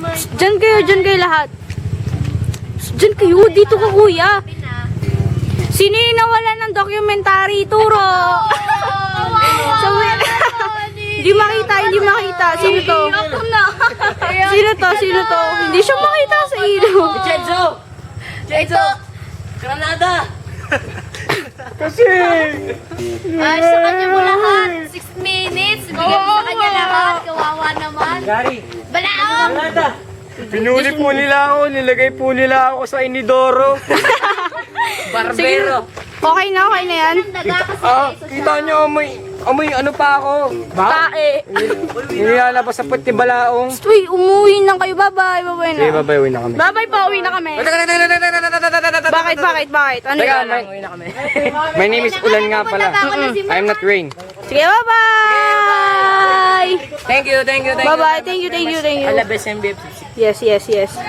Dyan kayo lahat. Dyan kayo, dito ka kuya. Sino yung nawala ng documentary? Turo! Hindi makita. Sino to? Sino to? Hindi siya makita sa ilog. Chenzo! Granada! Kasi! Ay, sa kanya mo lahat. 6 minutes. Bigyan mo sa kanya lahat. Kawawa naman. Gary! Balaong! Granada! Pinuli po nila ako, nilagay po nila ako sa inidoro. Barbero. Okay na yan. Kita nyo, amoy ano pa ako. Tae. Nilalabas sa puti balaong. Uy, umuwi na kayo. Bye-bye. Bye-bye na. Sige, babay, uwi na kami. Bye-bye pa, uwi na kami. Bakit? Ano Teka, yun? my name is Ulan nga pala. I'm not Rain. Sige, bye-bye! Thank you. Bye-bye. Thank you. Alabes MBF. Yes.